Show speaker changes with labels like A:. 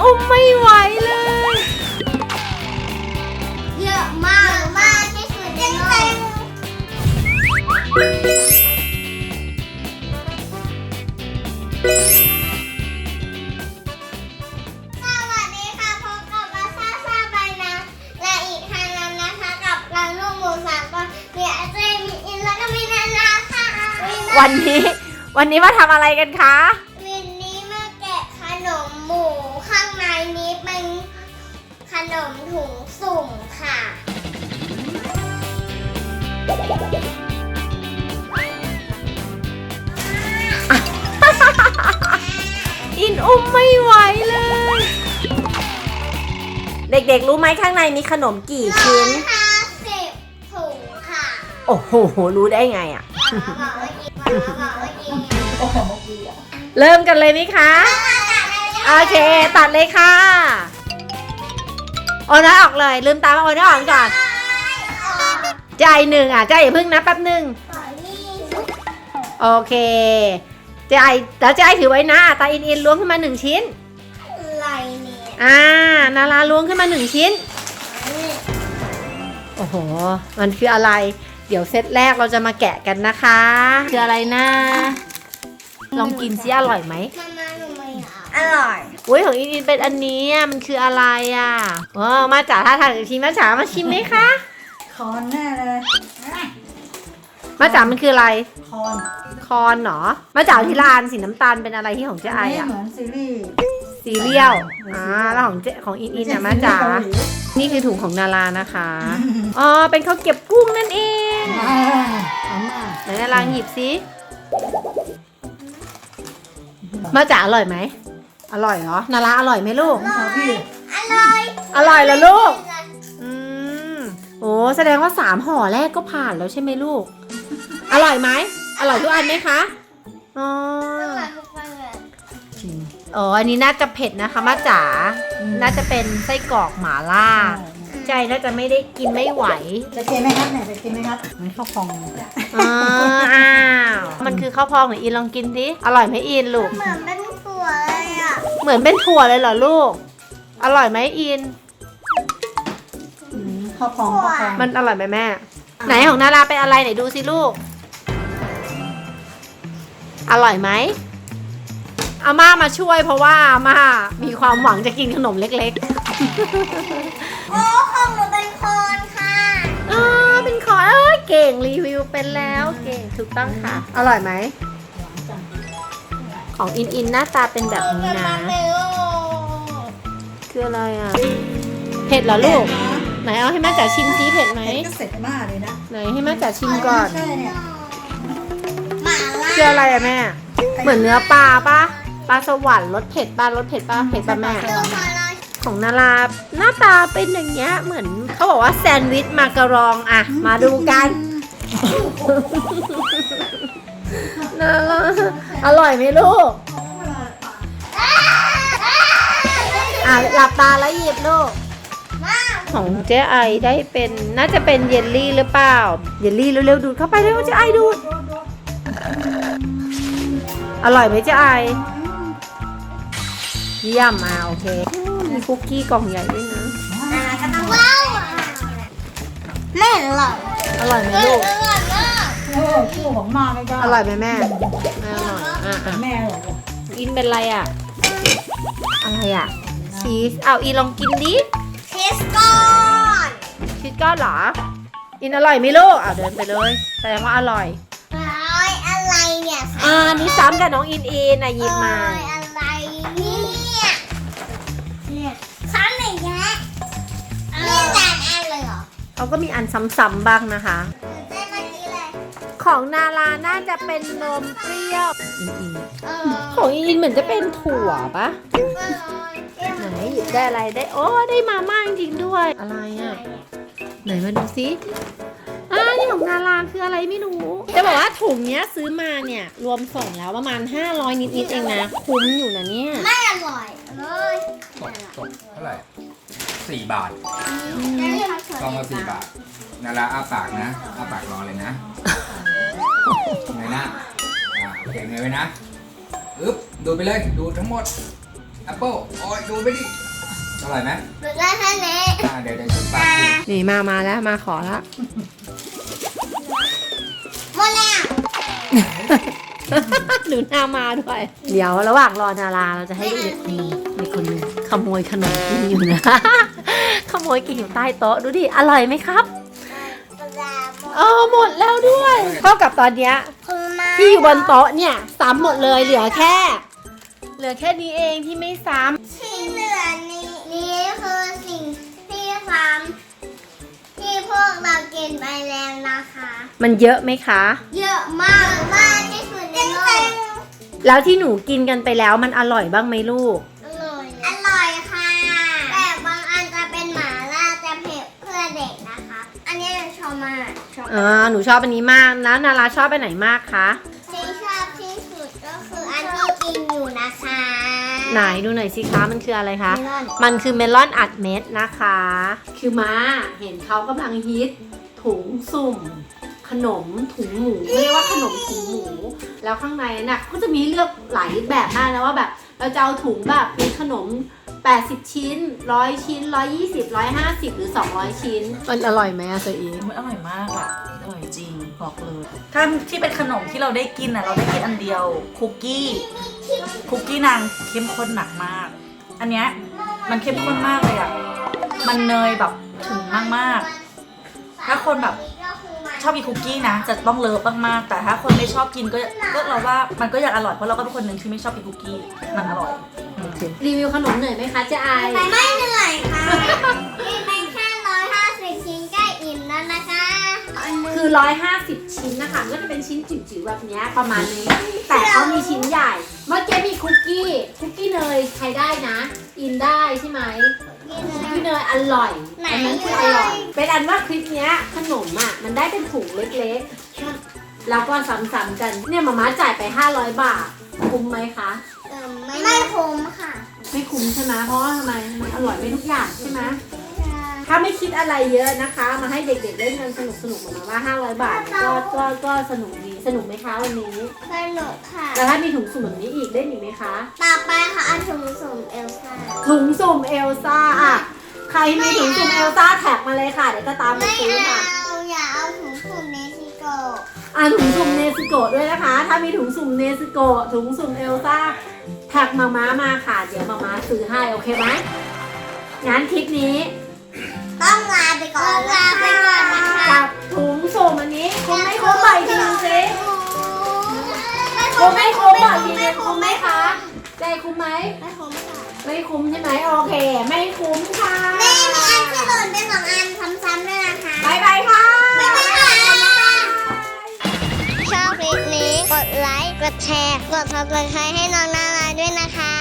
A: อุ้มไม่ไหวเลย
B: เยอะมากมากที่สุดในโลกสวัสดีค่ะพบกับมาซ่าใบนะและอีกทางนั้นนะคะกับเราลูกหมูสามคนมีอาเจมีอินแล้วก็มีนานาค่ะ
A: วันนี้มาทำอะไรกันคะ
B: วันนี้มาแกะขนมหมูข้างในนี้เป็นขนมถุงสุ่มค่ะ
A: อินอุ้มไม่ไหวเลยเด็กๆรู้ไหมข้างในมีขนมกี่ชิ้น
B: 150 ถุงค่ะ
A: โอ้โหรู้ได้ไงอ่ะเริ่มกันเลยไหมคะโอเคตัดเลยค่ะโอ้น้อยออกเลยลืมตามาโอ้น้อยออกก่อนใจหนึ่งอ่ะใจอย่าเพิ่งนะแป๊บหนึ่งโอเคใจแล้วใจถือไว้นะตาอินล้วงขึ้นมา1 ชิ้น
B: อะไรเนี่ย
A: นาราล้วงขึ้นมา1 ชิ้นโอ้โหมันคืออะไรเดี๋ยวเซตแรกเราจะมาแกะกันนะคะคืออะไรนะลองกินซิอร่อยไหม
B: อร่อย
A: อุ้ยของอินเป็นอันนี้มันคืออะไรอ่ะมาจ๋าถ้าทานชิมมาจ๋ามาชิมไหมคะ
C: คอนแน่เลย
A: มาจ๋ามันคืออะไร
C: คอน
A: เหรอมาจ๋าที่ร้านสีน้ำตาลเป็นอะไรที่ของเจ๊ไออ่ะ
C: เหมือนซีรี
A: ยลแล้วของอินเนี่ยมาจ๋านี่คือถุงของนารานะคะอ๋อเป็นข้าวเก็บกุ้งนั่นเองไหนนาราหยิบซิมาจ๋าอร่อยไหมอร่อยเหรอนาราอร่อยไหมลูกอร่อยเหรอลูกโอ้แสดงว่า3 ห่อแรกก็ผ่านแล้วใช่ไหมลูกอร่อยไหมอร่อยทุกอันไหมคะอ๋ออันนี้น่าจะเผ็ดนะคะมาจ๋าน่าจะเป็นไส้กรอกหม่าล่าใจน่าจะไม่ได้กินไม่ไหว
C: จะกินไหมครับเนี่ยจะกินไหมครับมันข้าวพอง
A: อ้าวมันคือข้าวพองหรืออินลองกินสิอร่อยไหมอินลูก
B: เหมือนเป็นถั่วเลยอ่ะ
A: เหมือนเป็นถั่วเลยเหรอลูกอร่อยไหมอิน
C: ข้าวพอง
A: มันอร่อยไหมแม่ไหนของนาราเป็นอะไรไหนดูสิลูกอร่อยไหมอาม่ามาช่วยเพราะว่าอาม่ามีความหวังจะกินขนมเล็ก
B: ๆโอ้ของหนูเป็นคอนค่ะ
A: เป็นคอนเก่งรีวิวเป็นแล้วเก่งถูกต้องค่ะอร่อยไหมของอินหน้าตาเป็นแบบนี้นะคืออะไรอ่ะเผ็ดเหรอลูกไหนเอาให้แม่จ๋าชิมซิเผ็ดไหม
C: เสร็จมากเลยนะ
A: ไหนให้แม่จ๋าชิมก่อน
B: คือ
A: อะไรอะแม่เหมือนเนื้อปลาสวรรค์รสเผ็ดป่ะเผ็ดป่ะแม่ของนาราหน้าตาเป็นอย่างเงี้ยเหมือนเขาบอกว่าแซนด์วิชมาการองอะมาดูกันนาราอร่อยไหมลูกหลับตาแล้วหยิบลูกของเจ๊ไอได้เป็นน่าจะเป็นเยลลี่หรือเปล่าเยลลี่เร็วๆดูดเข้าไปเร็วเจ๊ไอดูดอร่อยไหมเจ๊ไอเยี่ยมโอเคมีคุกกี้กล่องใหญ่ด้วยนะ
B: ว้าวไม่อร่อย
A: อร่อยไหมลูก
C: คู่ของมาไม่ได้
A: อร่อยไหมแม่อร่อย
C: แม่อร่อย
A: อินเป็นอะไรอะชีสอีลองกินดิ
B: ชีสก้
A: อนเหรออินอร่อยไหมลูกเดินไปเลยแสดงว่าอร่อย
B: อะไรเนี่ย
A: นี่ซ้ำกับน้องอินหยิบมา
B: อะไรเนี่ยซ้ำอย่างเงี้ยนี่แต่อันเลยเหรอ
A: เขาก็มีอันซ้ำๆบ้างนะคะของนาราน่าจะเป็นนมเปรี้ยวของอินเหมือนจะเป็นถั่วปะไหนหยิบได้อะไรได้ได้มาม่าจริงด้วยอะไรอ่ะไหนมาดูซินี่ของนาราคืออะไรไม่รู้จะบอกว่าถุงเนี้ยซื้อมาเนี่ยรวมส่งแล้วประมาณ500นิดๆเองนะคุ้มอยู่นะเนี่ย
B: ไม่อร่อยเลย
D: ตกเท่าไหร่4 บาทกล่องละ4 บาทนาราอ้าปากนะอ้าปากรอเลยนะไงนะโอเคไงไว้นะดูไปเลยดูทั้งหมด
A: อ
D: ปเปิ้ลโอ้ยดูไปดิอร่อยไหม
B: หนูได้แค่นี้
D: เดี๋ยวฉันปาดกิน
A: นี่มาแล้วมาขอแล้ว
B: หมดแล้ว
A: หนูนามาด้วย เดี๋ยวระหว่างรอนาราเราจะให้เด็กมีคนหนึงขโมยขนมกินอยู่นะ ขโมยกินอยู่ใต้โต๊ะดูดิอร่อยไหมครับหมดแล้วด้วยเท่ากับตอนเนี้ย
B: คุณมา
A: ที่อยู่บนโต๊ะเนี่ยซ้ำหมดเลยเหลือแค่นี้เองที่ไม่ซ้
B: ที่เหลือนี้คือสิ่งที่ซ้ำที่พวกเรากินไปแล้วนะคะ
A: ำมันเยอะไหมคะ
B: เยอะมากมากที่สุดในโลก
A: แล้วที่หนูกินกันไปแล้วมันอร่อยบ้างไหมลูก
B: อร่อยค่ะแต่บางอันจะเป็นหม่าล่าจะเผ็ดเพื่อเด็กนะคะ อันนี้ชอบมากชอบ
A: หนูชอบอันนี้มากแล้วนาราชอบไปไหนมากคะ
B: ที่ชอบที่สุดก็คืออันที่กินอยู่นะคะ
A: ไหนดูหน่อยสิคะมันคืออะไรคะ
B: เมลอน
A: มันคือเมลอนอัดเม็ดนะคะ คือม้าเห็นเขากำลังฮิตถุงสุ่ม ขนมถุงหมูเรียกว่าขนมถุงหมู แล้วข้างในน่ะก็จะมีเลือกหลายแบบมากนะว่าแบบเราจะเอาถุงแบบเป็นขนม 80 ชิ้น 100 ชิ้น 120 150 หรือ 200 ชิ้น มันอร่อยไหมอะเซอี
E: มันอร่อยมากอ่ะ อร่อยจริงบอกเลยถ้าที่เป็นขนมที่เราได้กินอ่ะเราได้กินอันเดียวคุกกี้นางเข้มข้นหนักมาก อันเนี้ยมันเข้มข้นมากเลยอ่ะมันเนยแบบถึงมากๆถ้าคนแบบชอบกินคุกกี้นะจะต้องเลิฟมากๆแต่ถ้าคนไม่ชอบกินก็เราว่ามันก็ยังอร่อยเพราะเราก็เป็นคนหนึ่งที่ไม่ชอบกินคุกกี้มันอร่อย
A: รีวิวขนมหน่อยไหมคะเจ๊ไอ
B: ไม่เหนื่อยค่ะกินไปแค่150 ชิ้นก็อิ่มแล้วนะคะ
A: คือ 150 ชิ้นนะคะก็จะเป็นชิ้นจิ๋วๆแบบเนี้ยประมาณนี้ แต่เขามีชิ้นใหญ่ เมื่อกี้มีคุกกี้เนยใครได้นะ อินได้ใช่ไหมคุกกี้เนยอร่อยอันนั้นคืออร่อย เป็นอันว่าคลิปเนี้ยขนมอ่ะมันได้เป็นถุงเล็กๆ แล้วก็ซ้ำๆกัน เนี่ยมาม่าจ่ายไป 500 บาท คุ้มไหมคะ
B: ไม่คุ้มค่ะ
A: ไม่คุ้มใช่ไหมเพราะว่าทำไมมันอร่อยไม่ทุกอย่างใช่ไหมถ้าไม่คิดอะไรเยอะนะคะ มาให้เด็กๆเล่นกันสนุกๆมาว่า 500 บาทก็สนุกดีสนุกไหมคะวันนี้
B: สนุกค่ะ
A: แล้วถ้ามีถุงสุ่มแบบนี้อีกเล่นอีกไหมคะ
B: ต่อไปค่ะอันถุงสุ่มเอลซ่า
A: ถุงสุ่มเอลซ่าอ่ะใครมีถุงสุ่มเอลซ่าแท็กมาเลยค่ะเดี๋ยวจะตามมา
B: ไม่
A: ซื้อค่ะ
B: เอาอย่าเอาถุงสุ่มเนซิโกะ
A: ถุงสุ่มเนสโกะด้วยนะคะ ถ้ามีถุงสุ่มเนสโกะถุงสุ่มเอลซ่าแท็กมาม่ามาค่ะเดี๋ยวมาม่าซื้อให้โอเคไหมงั้นคลิปนี้
B: ต้องลาไปก่อนนะคะ
A: กับถุงสุ่มอันนี้คุ้มไม่คุ้มบ่อยทีนึงสิคุ้มไม่คุ้มบ่อยทีนึงคุ้มไหมคะใจคุ้มไหม
B: ไม่คุ้มค่ะ
A: ไม่คุ้มใช่ไหมโอเค ไม่คุ้มค่ะ
B: แม่มีอันที่หล่นเป็น2 อันซ้ำๆด้วยนะคะ
A: บายบายค่ะ
B: บ๊ายบายค่ะชอบคลิปนี้กดไลค์ กดแชร์ กด subscribe ให้น้องนาราด้วยนะคะ